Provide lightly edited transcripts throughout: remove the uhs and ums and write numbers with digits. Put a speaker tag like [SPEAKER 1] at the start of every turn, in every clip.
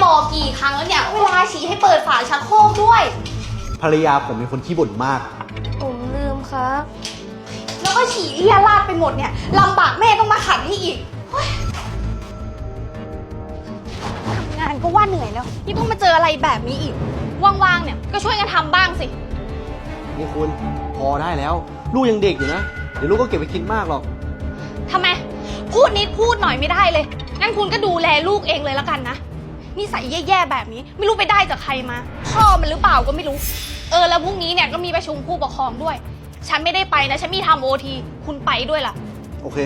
[SPEAKER 1] บอกกี่ครั้งแล้วเนี่ยเวลาฉี่ให้เปิดฝาชักโครกด้วย
[SPEAKER 2] ภรรยาผมเป็นคนขี้บ่นมาก
[SPEAKER 3] ผมลืมครับ
[SPEAKER 1] แล้วก็ฉี่เลี่ยราดไปหมดเนี่ยลำบากแม่ต้องมาขัดให้อีกทำงานก็ว่าเหนื่อยแล้วนี่ต้องมาเจออะไรแบบนี้อีกว่างๆเนี่ยก็ช่วยกันทำบ้างสิ
[SPEAKER 2] นี่คุณพอได้แล้ว ลูกยังเด็กอยู่นะ เดี๋ยวลูกก็เก็บไปคิดมากหรอก
[SPEAKER 1] ทำไมพูดนิดพูดหน่อยไม่ได้เลยงั้นคุณก็ดูแลลูกเองเลยแล้วกันนะนิสัยแย่ๆแบบนี้ไม่รู้ไปได้จากใครมาพ่อมันหรือเปล่าก็ไม่รู้แล้วพรุ่งนี้เนี่ยก็มีประชุมผู้ปกครองด้วยฉันไม่ได้ไปนะฉันมีทำOTคุณไปด้วยล่ะ
[SPEAKER 2] โอเค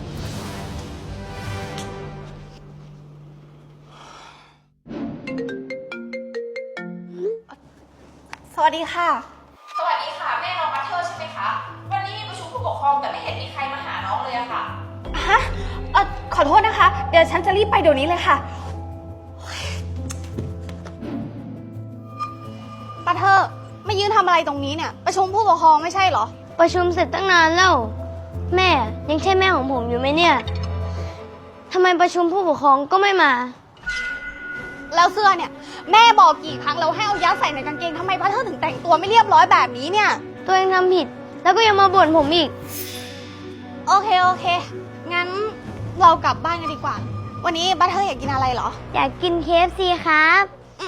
[SPEAKER 1] สวัสดีค่ะสวัสดีค่ะแม่น้องบัตเทอร์ใช่ไหมคะวันนี้มีประชุมผู้ปกครองแต่ไม่เห็นมีใครมาหาน้องเลยอะค่ะฮะขอโทษนะคะเดี๋ยวฉันจะรีบไปเดี๋ยวนี้เลยค่ะบัตเทอร์มายืนทำอะไรตรงนี้เนี่ยประชุมผู้ปกครองไม่ใช่เหรอ
[SPEAKER 3] ประชุมเสร็จตั้งนานแล้วแม่ยังใช่แม่ของผมอยู่ไหมเนี่ยทำไมประชุมผู้ปกครองก็ไม่มา
[SPEAKER 1] แล้วเสื้อเนี่ยแม่บอกกี่ครั้งแล้วให้เอายัดใส่ในกางเกงทำไมบัตเทอร์ถึงแต่งตัวไม่เรียบร้อยแบบนี้เนี่ย
[SPEAKER 3] ตัวเองทำผิดแล้วก็ยังมาบ่นผมอีก
[SPEAKER 1] โอเคงั้นเรากลับบ้านกันดีกว่าวันนี้บัตเทอร์อยากกินอะไรเหรอ
[SPEAKER 3] อยากกิน KFC ครับ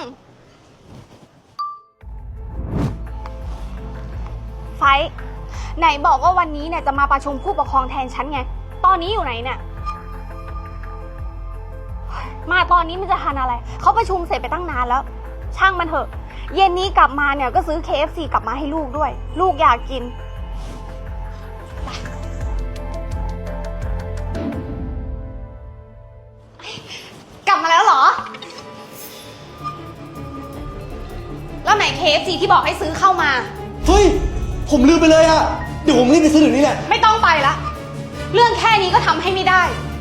[SPEAKER 1] ไฟไหนบอกว่าวันนี้เนี่ยจะมาประชุมผู้ปกครองแทนฉันไงตอนนี้อยู่ไหนเนี่ยมาตอนนี้มันจะทันอะไรเขาประชุมเสร็จไปตั้งนานแล้วช่างมันเถอะเย็นนี้กลับมาเนี่ยก็ซื้อ KFC กลับมาให้ลูกด้วยลูกอยากกินกลับมาแล้วเหรอแล้วไหน KFC ที่บอกให้ซื้อเข้ามา
[SPEAKER 2] เฮ้ยผมลืมไปเลยอะเดี๋ยวผมรีบไปซื้อเดี๋ยวนี้แหละ
[SPEAKER 1] ไม่ต้องไปละเรื่องแค่นี้ก็ทำให้ไม่ได้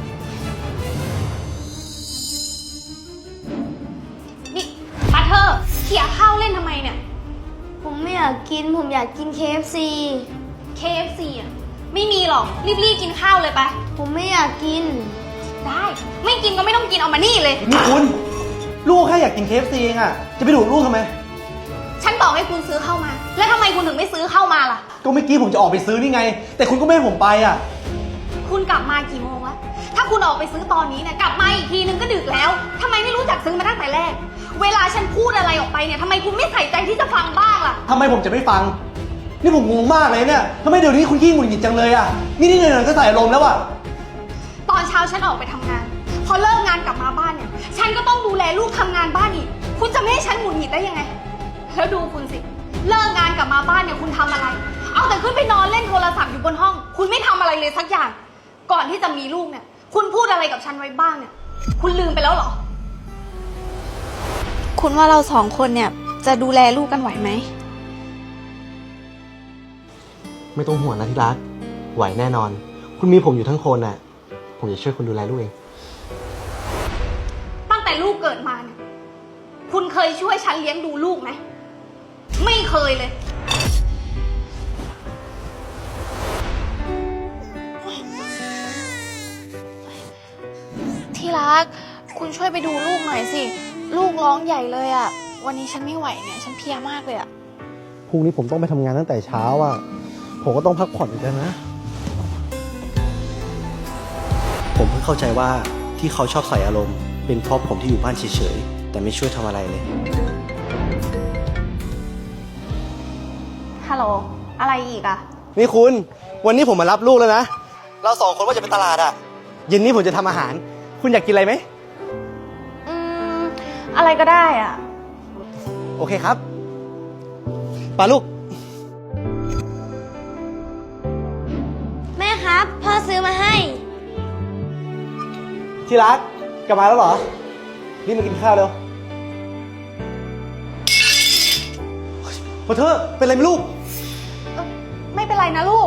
[SPEAKER 1] นี่บัตเทอร์เขี่ยข้าวเล่นทำไมเนี่ย
[SPEAKER 3] ผมไม่อยากกินผมอยากกิน
[SPEAKER 1] KFC อ่ะไม่มีหรอกรีบกินข้าวเลยไป
[SPEAKER 3] ผมไม่อยากกิน
[SPEAKER 1] ได้ไม่กินก็ไม่ต้องกินเอามานี่เลย
[SPEAKER 2] นี่คุณลูกแค่อยากกิน KFC เองอะจะไปดูลูกทำไม
[SPEAKER 1] ฉันบอกให้คุณซื้อเข้ามาแล้วทำไมคุณถึงไม่ซื้อเข้ามาล่ะ
[SPEAKER 2] ก็เมื่อกี้ผมจะออกไปซื้อนี่ไงแต่คุณก็ไม่ให้ผมไปอะ
[SPEAKER 1] คุณกลับมากี่โมงแล้วถ้าคุณออกไปซื้อตอนนี้เนี่ยกลับมาอีกทีนึงก็ดึกแล้วทำไมไม่รู้จักซื้อมาตั้งแต่แรกเวลาฉันพูดอะไรออกไปเนี่ยทำไมคุณไม่ใส่ใจที่จะฟังบ้างล่ะ
[SPEAKER 2] ทำไมผมจะไม่ฟังนี่ผมงงมากเลยเนี่ยทำไมเดี๋ยวนี้คุณขี้หงุดหงิดจังเลยอะนี่หน่อยๆก็ใส่อารมณ์แล้วอะ
[SPEAKER 1] ตอนเช้าฉันออกไปทำงานพอเลิกงานกลับมาบ้านเนี่ยฉันก็ต้องดูแลลูกทำงานบ้านอีกคุณจะไม่ให้ฉันหงุดหงิดได้ยังไงแล้วดูคุณสิเลิกงานกลับมาบ้านเนี่ยคุณทำอะไรเอาแต่ขึ้นไปนอนเล่นโทรศัพท์อยู่บนห้องคุณไม่ทำอะไรเลยสักอย่างก่อนที่จะมีลูกเนี่ยคุณพูดอะไรกับฉันไว้บ้างเนี่ยคุณลืมไปแล้วเหรอคุณว่าเราสองคนเนี่ยจะดูแลลูกกันไหวไหม
[SPEAKER 2] ไม่ต้องห่วงนะที่รักไหวแน่นอนคุณมีผมอยู่ทั้งคนน่ะผมจะช่วยคุณดูแลลูกเอง
[SPEAKER 1] ตั้งแต่ลูกเกิดมาเนี่ยคุณเคยช่วยฉันเลี้ยงดูลูกไหมไม่เคยเลยที่รักคุณช่วยไปดูลูกหน่อยสิลูกร้องใหญ่เลยอ่ะวันนี้ฉันไม่ไหวเนี่ยฉันเพลียมากเลยอ่ะ
[SPEAKER 2] พรุ่งนี้ผมต้องไปทำงานตั้งแต่เช้าอ่ะผมก็ต้องพักผ่อนกันนะผมเพิ่งเข้าใจว่าที่เขาชอบใส่อารมณ์เป็นเพราะผมที่อยู่บ้านเฉยๆแต่ไม่ช่วยทำอะไรเลย
[SPEAKER 1] ฮัลโหลอะไรอีกอ่ะ
[SPEAKER 2] นี่คุณวันนี้ผมมารับลูกแล้วนะเราสองคนว่าจะไปตลาดอ่ะเย็นนี้ผมจะทำอาหารคุณอยากกินอะไรไหม
[SPEAKER 1] อะไรก็ได้อ่ะ
[SPEAKER 2] โอเคครับปาลูก
[SPEAKER 3] แม่ครับพ่อซื้อมาให้
[SPEAKER 2] ที่รักกลับมาแล้วเหรอรีบมากินข้าวเร็วพอเธอเป็นไรไหมลูก
[SPEAKER 1] ไม่เป็นไรนะลูก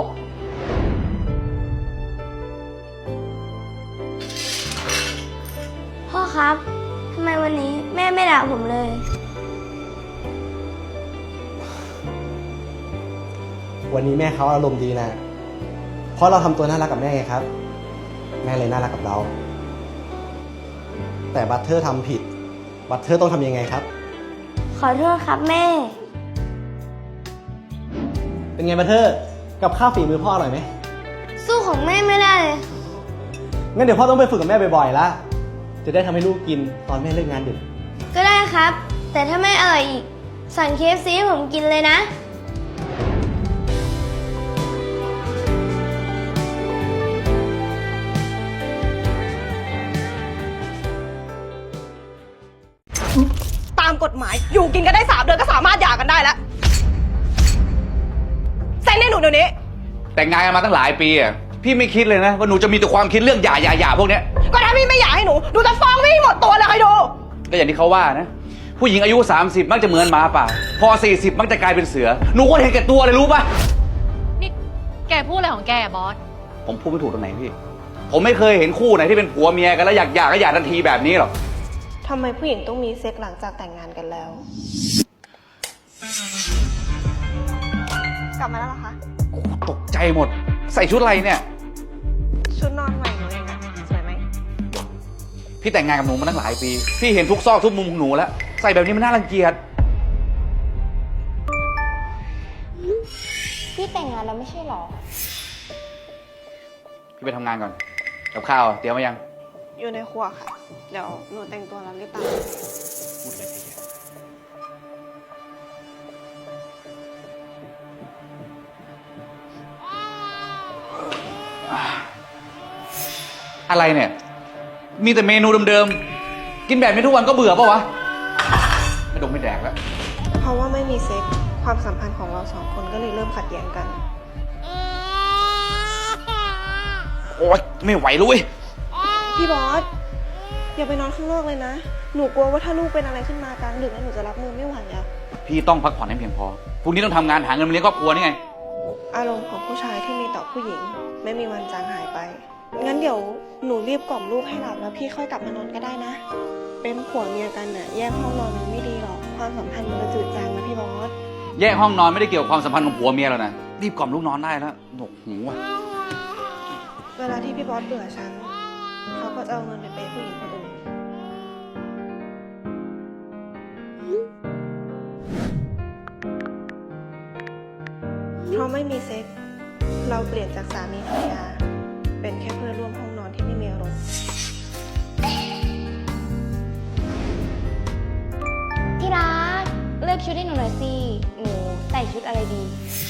[SPEAKER 3] พ่อครับทำไมวันนี้แม่ไม่ด่าผมเลย
[SPEAKER 2] วันนี้แม่เขาอารมณ์ดีนะเพราะเราทำตัวน่ารักกับแม่ไงครับแม่เลยน่ารักกับเราแต่บัตเทอร์ทำผิดบัตเทอร์ต้องทำยังไงครับ
[SPEAKER 3] ขอโทษครับแม่
[SPEAKER 2] เป็นไงบัตเทอร์ กับข้าวฝีมือพ่ออร่อยไหม
[SPEAKER 3] สู้ของแม่ไม่ได้เลย
[SPEAKER 2] งั้นเดี๋ยวพ่อต้องไปฝึกกับแม่บ่อยๆละจะได้ทำให้ลูกกินตอนแม่เลิกงานดึก
[SPEAKER 3] ก็ได้ครับ แต่ถ้าไม่อร่อยอีก สั่ง KFC ให้ผมกินเลยนะ
[SPEAKER 4] ตามกฎหมายอยู่กินกันได้3 เดือนก็สามารถหย่ากันได้แล้วเซ็นให้หนูเดี๋ยวนี้
[SPEAKER 5] แต่งงานกันมาตั้งหลายปีอ่ะพี่ไม่คิดเลยนะว่าหนูจะมีแต่ความคิดเรื่องหย่าพวกเนี้ย
[SPEAKER 4] ก็ถ้าพี่ไม่หย่าให้หนูจะฟ้องพี่ให้หมดตัวเลยใครดู
[SPEAKER 5] ก็อย่างที่เขาว่านะผู้หญิงอายุ30มักจะเหมือนหมาป่าพอ40มักจะกลายเป็นเสือหนูก็เห็นแก่ตัวเลยรู้ปะ
[SPEAKER 6] นี่แกพูดอะไรของแกอะบอส
[SPEAKER 5] ผมพูดไม่ถูกตรงไหนพี่ผมไม่เคยเห็นคู่ไหนที่เป็นผัวเมียกันแล้วอยากหย่าก็หย่าทันทีแบบนี้หรอก
[SPEAKER 4] ทำไมผู้หญิงต้องมีเซ็กหลังจากแต่งงานกันแล้ว กลับมาแล้วเหรอคะ
[SPEAKER 5] ตกใจหมดใส่ชุดอะไรเนี่ย
[SPEAKER 4] ชุดนอนใหม่หนูเองอะสวยไหม
[SPEAKER 5] พี่แต่งงานกับหนูมาตั้งหลายปีพี่เห็นทุกซอกทุกมุมของหนูแล้วใส่แบบนี้มันน่ารังเกียจ
[SPEAKER 3] พี่แต่งงานแล้วไม่ใช่หรอ
[SPEAKER 5] พี่ไปทำงานก่อนกับข้าวเตรียมไว้ยัง
[SPEAKER 4] อยู่ในครัวค่ะ เดี๋ยวหนูแต่งตัวแล้วรีบตาม
[SPEAKER 5] พูดอะไรไปเยอะอะไรเนี่ย มีแต่เมนูเดิมๆ กินแบบนี้ทุกวันก็เบื่อปะวะ ไม่ดมไม่แดกแล้ว
[SPEAKER 4] เพราะว่าไม่มีเซ็กความสัมพันธ์ของเรา2 คนก็เลยเริ่มขัดแย้งกัน
[SPEAKER 5] โอ๊ย ไม่ไหวเลยเว้ย
[SPEAKER 4] พี่บอสอย่าไปนอนข้างนอกเลยนะ หนูกลัวว่าถ้าลูกเป็นอะไรขึ้นมากลางดึกแล้วหนูจะรับมือไม่ไหวอะ
[SPEAKER 5] พี่ต้องพักผ่อนให้เพียงพอ พรุ่งนี้ต้องทำงานหาเงินมาเลี้ยงครอบครัวนี่ไง
[SPEAKER 4] อารมณ์ของผู้ชายที่มีต่อผู้หญิง ไม่มีวันจางหายไป งั้นเดี๋ยวหนูรีบกล่อมลูกให้หลับแล้วพี่ค่อยกลับมานอนก็ได้นะ เป็นผัวเมียกันน่ะแยกห้องนอนมันไม่ดีหรอก ความสัมพันธ์มันจะจืดจางนะพี่บอส
[SPEAKER 5] แยกห้องนอนไม่ได้เกี่ยวกับความสัมพันธ์ของผัวเมียแล้วนะ รีบกล่อมลูกนอนได้แล้วหนวกหูอ่ะ
[SPEAKER 4] เวลาที่พี่บอสเบื่อฉัน เขาก็จะเอาเงินไปเปย์ผู้หญิงคนอื่น เพราะไม่มีเซ็ก เราเปลี่ยนจากสามีภรรยา เป็นแค่เพื่อนร่วมห้องนอนที่ไม่มีอารมณ์
[SPEAKER 3] ที่รัก เลือกชุดให้หนูหน่อยสิ หนูใส่ชุดอะไรดี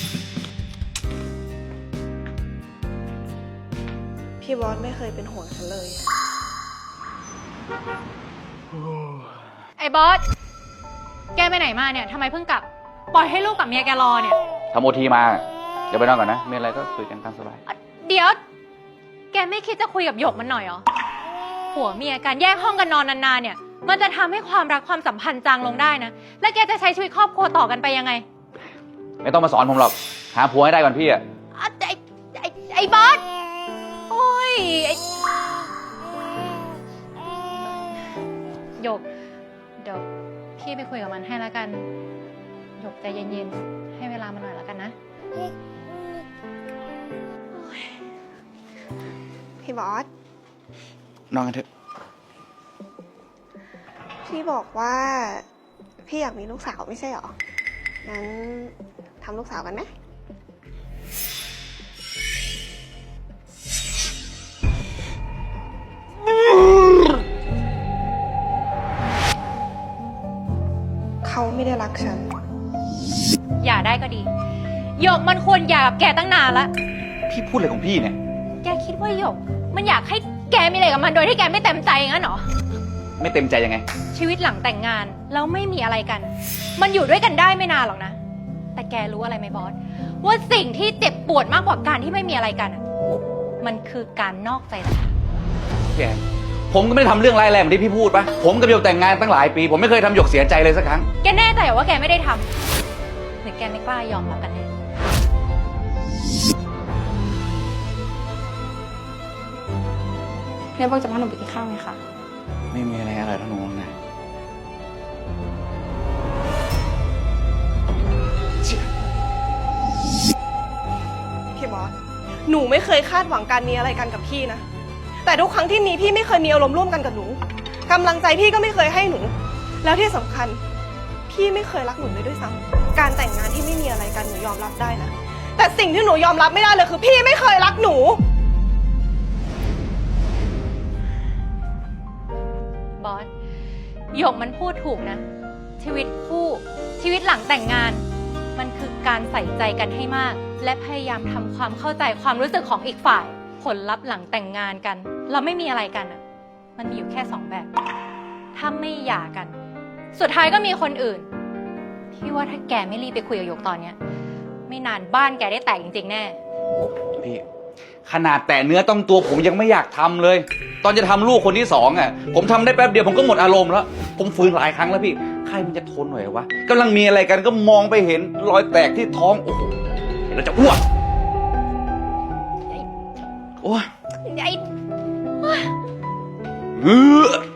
[SPEAKER 4] พี่บอสไม่เคยเป็นห่วงฉันเลย
[SPEAKER 6] ไอ้บอส แกไปไหนมาเนี่ยทำไมเพิ่งกลับ ปล่อยให้ลูกกับเมียแกรอเนี่ย
[SPEAKER 5] ทำโอทีมา เดี๋ยวไปนอนก่อนนะ มีอะไรก็คุยกันตามสบาย
[SPEAKER 6] เดี๋ยว แกไม่คิดจะคุยกับหยกมันหน่อยเหรอ ผัวเมียการแยกห้องกันนอนนานๆเนี่ย มันจะทำให้ความรักความสัมพันธ์จางลงได้นะ แล้วแกจะใช้ชีวิตครอบครัวต่อกันไปยังไง
[SPEAKER 5] ไม่ต้องมาสอนผมหรอก หาผัวให้ได้ก่อนพี่อะ
[SPEAKER 6] อ่ะไอ้บอส โอ้ยหยก เดี๋ยวพี่ไปคุยกับมันให้แล้วกัน หยกใจเย็นๆ ให้เวลามันหน่อยแล้วกันนะ
[SPEAKER 4] พี่บอส
[SPEAKER 5] นอนกันเถอะ
[SPEAKER 4] พี่บอกว่า พี่อยากมีลูกสาวไม่ใช่หรอ งั้นทำลูกสาวกันไหม เขาไม่ได้รักฉัน
[SPEAKER 6] อย่าได้ก็ดี หยกมันควรหย่ากับแกตั้งนานละ
[SPEAKER 5] พี่พูดอะไรของพี่เนี่ย
[SPEAKER 6] แกคิดว่าหยก มันอยากให้แกมีอะไรกับมันโดยที่แกไม่เต็มใจงั้นเหรอ
[SPEAKER 5] ไม่เต็มใจยังไง
[SPEAKER 6] ชีวิตหลังแต่งงานแล้วไม่มีอะไรกัน มันอยู่ด้วยกันได้ไม่นานหรอกนะ แต่แกรู้อะไรไหมบอส ว่าสิ่งที่เจ็บปวดมากกว่าการที่ไม่มีอะไรกันอะมันคือการนอกใจต่างหาก
[SPEAKER 5] พี่แอนผมก็ไม่ได้ทำเรื่องร้ายแรงเหมือนที่พี่พูดปะผมกับหยกแต่งงานตั้งหลายปี ผมไม่เคยทำหยกเสียใจเลยสักครั้ง
[SPEAKER 6] แกแน่ใจเหรอว่าแกไม่ได้ทำหรือแกไม่กล้ายอมรับกันแน่
[SPEAKER 7] เรียกบอกจะพาหนูไปกินข้าวไหมคะ
[SPEAKER 5] ไม่มีอะไรอร่อยเท่าหนูนะ
[SPEAKER 4] พี่บอส หนูไม่เคยคาดหวังการมีอะไรกันกับพี่นะ แต่ทุกครั้งที่มีพี่ไม่เคยมีอารมณ์ร่วมกันกับหนูกำลังใจพี่ก็ไม่เคยให้หนูแล้วที่สำคัญพี่ไม่เคยรักหนูเลยด้วยซ้ำการแต่งงานที่ไม่มีอะไรกันหนูยอมรับได้นะแต่สิ่งที่หนูยอมรับไม่ได้เลยคือพี่ไม่เคยรักหนู
[SPEAKER 6] บอสหยกมันพูดถูกนะ ชีวิตคู่ชีวิตหลังแต่งงาน มันคือการใส่ใจกันให้มาก และพยายามทำความเข้าใจความรู้สึกของอีกฝ่าย ผลลัพธ์หลังแต่งงานกัน เราไม่มีอะไรกันอ่ะมันมีอยู่แค่2 แบบ ถ้าไม่หย่ากัน สุดท้ายก็มีคนอื่นพี่ว่าถ้าแกไม่รีบไปคุยกับหยกตอนเนี้ยไม่นานบ้านแกได้แตกจริงๆแน่
[SPEAKER 5] พี่ขนาดแต่เนื้อต้องตัวผมยังไม่อยากทำเลย ตอนจะทำลูกคนที่2อ่ะผมทำได้แป๊บเดียวผมก็หมดอารมณ์แล้วผมฟื้นหลายครั้งแล้วพี่ใครมันจะทนหน่อยวะกำลังมีอะไรกันก็มองไปเห็นรอยแตกที่ท้องโอ้โหเห็นแล้วจะอ้วกโอ้ย
[SPEAKER 6] ไอ้
[SPEAKER 5] เออ